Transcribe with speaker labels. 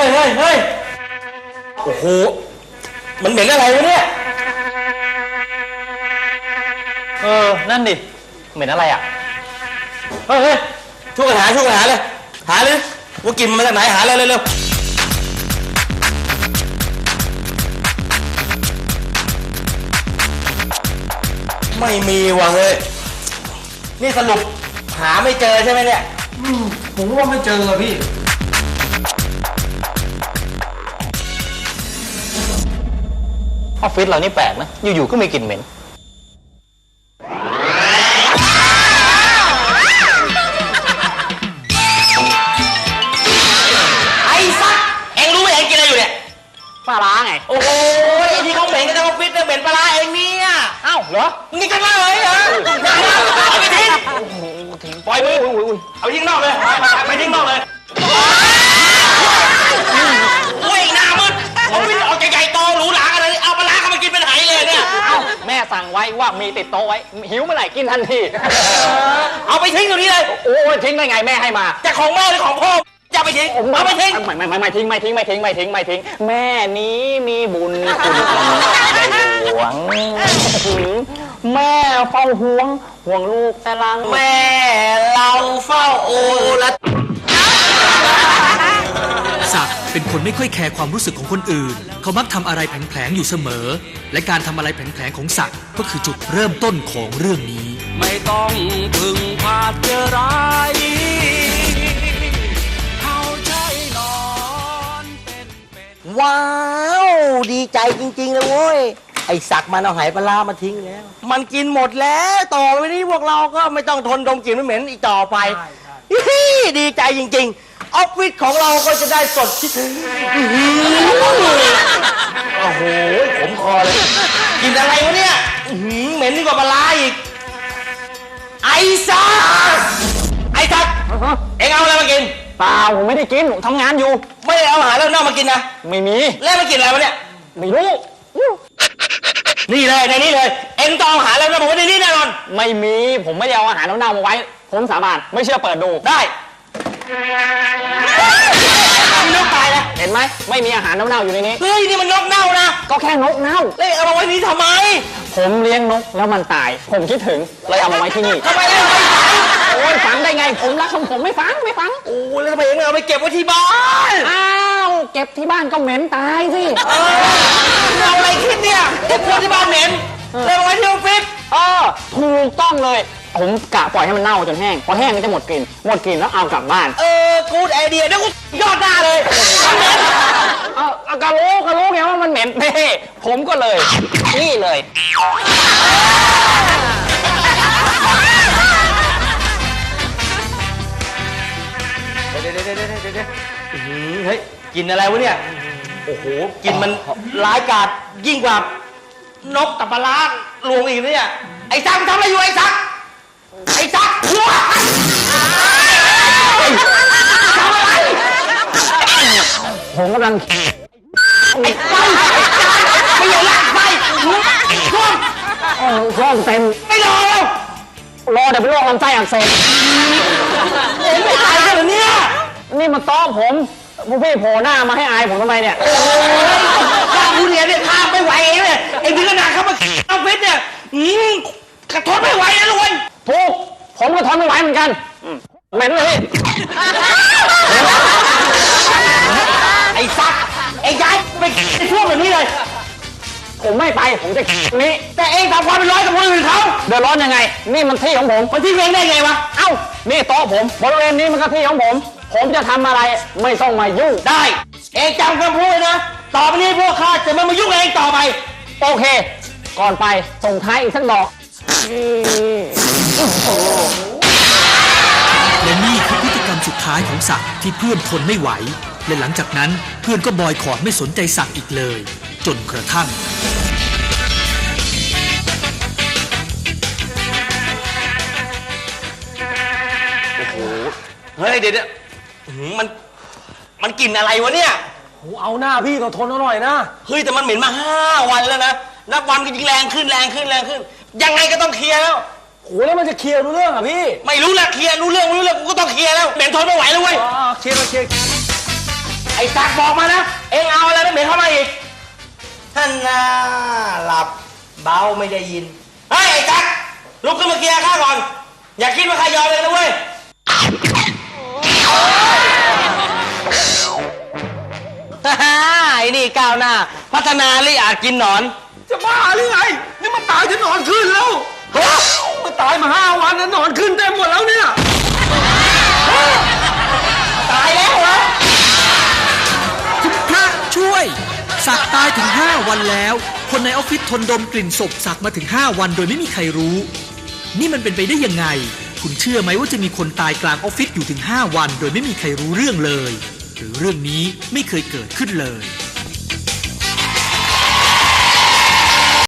Speaker 1: ฮ้ยโอ้โหมันเหม็นอะไรวะเนี่ย
Speaker 2: นั่นดิเหม็นอะไรอ่ะ
Speaker 1: เฮ้ยช่วยกันหาเลยหาเลยว่ากินมาจากไหนหาเลยเร็วไม่มีว่ะเฮ้ยนี่สรุปหาไม่เจอใช่ไหมเนี่ย
Speaker 3: ผมว่าไม่เจอพี่
Speaker 2: ออฟฟิศเรานี่แปลกนะอยู่ๆก็มีกลิ่นเหม็น
Speaker 1: ไอ้สัสเอ็งรู้ไหมเอ็งกินอะไรอยู่เนี่ย
Speaker 2: ปลาร้าไง
Speaker 1: โอ้โหไอ้ที่เขาเหม็นกันในออฟฟิศเนี่ยเหม็นปลาร้าเองเนี่ย
Speaker 2: อ้าวเหรอ
Speaker 1: มึงกินกันมาเลยเหรอเอาไปทิ้ง
Speaker 2: ปล่อยมือ
Speaker 1: เอาทิ้งนอกเลยไปทิ้งนอกเลยโอ้ยหน้ามืดเอาไปเอาใหญ่ๆโตหรูหรากันเลยเอาปลาร้าเข้ามากินเป็นไหเลยเนี่ย
Speaker 2: แม่สั่งไว้ว่ามีติดโต๊ะไว้หิวเมื่อไหร่กินทันที
Speaker 1: เอาไปทิ้งตรงนี้เลย
Speaker 2: โอ้ยทิ้งได้ไงแม่ให้มา
Speaker 1: จะของแม่หรือของพ่อจะไปทิ้งเอาไปทิ้ง
Speaker 2: ไม่ทิ้งแม่นี้มีบุญคุณใหญ่หวงแม่เฝ้าห่วงลูกแต่ลัง
Speaker 1: แม่เราเฝ้าโอละ
Speaker 4: ศักดิ์เป็นคนไม่ค่อยแคร์ความรู้สึกของคนอื่นเขามักทำอะไรแผลงๆอยู่เสมอและการทำอะไรแผลงๆของศักดิ์ก็คือจุดเริ่มต้นของเรื่องนี้
Speaker 5: ไม่ต้องพึ่งพาเจอร้ายเขาใช้นอนเป็น
Speaker 1: ว้าวดีใจจริงๆเลยโว้ยไอ้ศักดิ์มันเอาหายปลามาทิ้งแล้วมันกินหมดแล้วต่อไปนี้พวกเราก็ไม่ต้องทนดมกลิ่นเหม็นอีกต่อไปดีใจจริงๆออฟฟิศของเราก็จะได้สดชื่นโอ้โหขมคอเลยกินอะไรวะเนี่ยเหม็นยิ่งกว่าปลาอีกไอ้ศักดิ์เอ็งเอาอะไรมากิน
Speaker 2: เปล่าผมไม่ได้กินผมทำงานอยู่
Speaker 1: ไม่ได้เอาอาหารแล้วนอกมากินนะ
Speaker 2: ไม่มี
Speaker 1: แล้วมากินอะไรวะเนี่ย
Speaker 2: ไม่รู้
Speaker 1: นี่เลยในนี้เลยเอ็งต้องเอาอาหารแล้วนะผมว่าในนี้แน่นอน
Speaker 2: ไม่มีผมไม่ได้เอาอาหารเน่าๆมาไว้ผมสาบานไม่เชื่อเปิดดู
Speaker 1: ได้นกตายแล้ว
Speaker 2: เห็นไหมไม่มีอาหารเน่าๆอยู่ในนี้
Speaker 1: เฮ้ยนี่มันนกเน่านะ
Speaker 2: ก็แค่นกเน่า
Speaker 1: แล้วเอามาไว้นี้ทำไม
Speaker 2: ผมเลี้ยงนกแล้วมันตายผมคิดถึงเลยเอามาไว้ที่นี่
Speaker 1: ทำไมไม่ฝัง
Speaker 2: โอ้ยฝังได้ไงผมรักของผมไม่ฝัง
Speaker 1: โอ้แล้วทำไมไม่เอาไปเก็บไว้ที่บ้าน
Speaker 2: อ้าวเก็บที่บ้านก็เหม็นตายสิ
Speaker 1: เอาอะไรคิดเนี่ยเก็บที่บ้านเหม็นเลยเอาไว้ที่ออฟฟิศ
Speaker 2: ถูกต้องเลยผมกะปล่อยให้มันเน่าจนแห้งพอแห้งก็จะหมดกลิ่นแล้วเอากลับบ้าน
Speaker 1: กูดไอเดียเดี๋ยวกูยอดหน้าเลย
Speaker 2: ก็รู้ไงว่ามันเหม็นเน่ผมก็เลยนี่เลย
Speaker 1: เฮ้ยกินอะไรวะเนี่ยโอ้โหกินมันร้ายกาจยิ่งกว่านกกับปลาลวงอีกเนี่ยไอ้ซักทำอะไรอยู่ไอ้ซักหัวทำอะไร
Speaker 2: ผมกำลัง
Speaker 1: ไอ้ไฟไม่อย่าลากไฟ
Speaker 2: ช่วงเต็ม
Speaker 1: ไม่รอ
Speaker 2: เดี๋ยวเป็นโรคลำไส้อักเสบ
Speaker 1: ไม่ตายกันเหรอเนี่ย
Speaker 2: นี่มาต้อผมพี่โผล่หน้ามาให้อายผมทำไมเนี่ย
Speaker 1: ข้าผู้เรียนเนี่ยข้าไม่ไหวเลยไอ้ถึงขนาดเขามาออฟฟิศเนี่ยกระทนไม่ไหวนะลุง
Speaker 2: ถูกผมก็ทนไม่ไหวเหมือนกันเหม็นเลย
Speaker 1: ไอ้ซักไอ้ย้ายไปช่วงแบบนี้เลย
Speaker 2: ผมไม่ไปผมจะนี้
Speaker 1: แต่เองทำความเป็นร้อยกับคนอื่นเขา
Speaker 2: เดือดร้อนยังไงนี่มันที่ของผม
Speaker 1: มันที่เองได้ไงวะ
Speaker 2: เอ้านี่โต๊ะผมบริเวณนี้มันก็ที่ของผมจะทำอะไรไม่ต้องมายุ่ง
Speaker 1: ได้เองจำคำพูดนะต่อไปนี้พวกข้าจะไม่มายุ่งเองต่อไป
Speaker 2: โอเคก่อนไปส่งท้ายอีกสักดอก
Speaker 4: และนี่คือพฤติกรรมสุดท้ายของศักดิ์ที่เพื่อนทนไม่ไหวและหลังจากนั้นเพื่อนก็บอยคอตไม่สนใจศักดิ์อีกเลยจนกระทั่ง
Speaker 1: โอ้โหเฮ้ยเดี๋ยวมันกลิ่นอะไรวะเนี่ย
Speaker 3: เอาหน้าพี่ต้องทนหน่อยนะ
Speaker 1: เฮ้ยแต่มันเหม็นมา5 วันแล้วนะนับวันก็ยิ่งแรงขึ้นยังไงก็ต้องเคลียร์แล้ว
Speaker 3: โหแล้วมันจะเคลียร์รู้เรื่องอ่ะพี่
Speaker 1: ไม่รู้ละเคลียร์รู้เรื่องกูก็ต้องเคลียร์แล้วเหม็นทนไม่ไหวแล้วเว้ย
Speaker 3: เคลียร์
Speaker 1: ไอ้ศักดิ์บอกมานะ เอ็งเอาอะไรไม่เหม็นเข้ามาอีกท่านน่าหลับเบาไม่ได้ยินเฮ้ยไอ้ศักดิ์ลุกขึ้นมาเคลียร์ข้าก่อน อย่าคิดว่าข้ายอมเลยนะเว้ยไอ้นี่ก้าวหน้า พัฒนาลิอาจกินหนอน
Speaker 3: จะบ้าหรือไง นี่มันตายจะนอนขึ้นแล้วมันตายมา5 วันแล้วนอนขึ้นเต็มหมดแล้วเนี่ย
Speaker 1: ตายแล้วเหรอ
Speaker 4: คุณพระช่วยศักดิ์ตายถึง 5 วันแล้ว คนในออฟฟิศทนดมกลิ่นศพศักดิ์มาถึง 5 วันโดยไม่มีใครรู้ นี่มันเป็นไปได้ยังไง คุณเชื่อไหมว่าจะมีคนตายกลางออฟฟิศอยู่ถึง 5 วันโดยไม่มีใครรู้เรื่องเลย หรือเรื่องนี้ไม่เคยเกิดขึ้นเลย